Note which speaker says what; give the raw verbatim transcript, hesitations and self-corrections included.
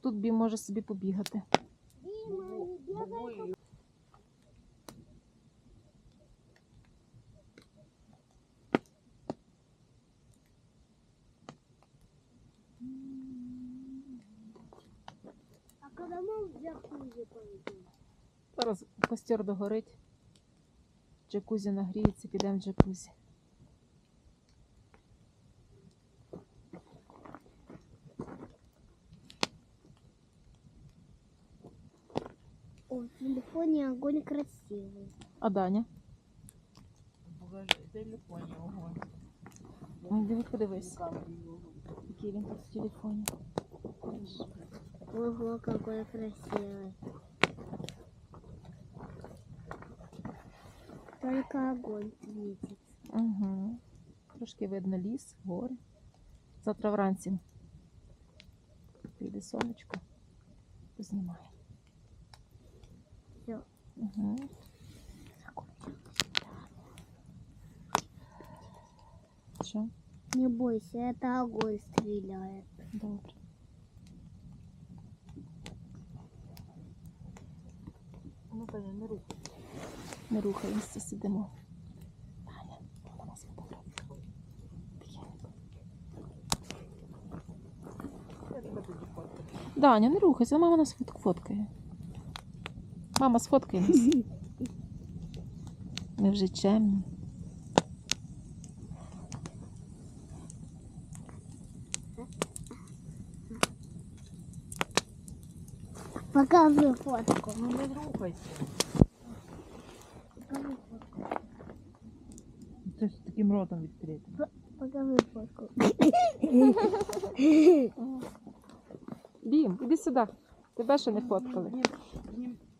Speaker 1: тут Бім може собі побігати.
Speaker 2: А коли ми в джакузі пойдемо?
Speaker 1: Зараз костер догорить. Джакузі нагріється, підемо в джакузі.
Speaker 2: О, в телефоне огонь красивый.
Speaker 1: А Даня?
Speaker 3: В телефоні огонь.
Speaker 1: Ну, диви, подивись. Який він тут в телефоні.
Speaker 2: Ого, какой красивый. Только огонь светит.
Speaker 1: Угу. Трошки видно ліс, гори. Завтра вранці прийде сонечко, познімає.
Speaker 2: Все.
Speaker 1: Угу. Що?
Speaker 2: Не бойся, это огонь стреляет.
Speaker 1: Добре.
Speaker 3: Ну, Таня, не рухай.
Speaker 1: Не рухаємося, сидимо. Таня, вона нас фотографує. Тихенько.
Speaker 3: Я тебе тоді фоткаю.
Speaker 1: Даня, не рухайся, мама нас фот- фоткає. Мама, сфоткай нас. Ми вже чемні.
Speaker 2: Покажи фотку.
Speaker 3: Ну, не рухайся.
Speaker 2: Покажи фотку.
Speaker 3: Це ж таким ротом відкрити.
Speaker 2: Покажи фотку.
Speaker 1: Бім, іди сюди. Тебе ще не фоткали.
Speaker 3: Ні, ні,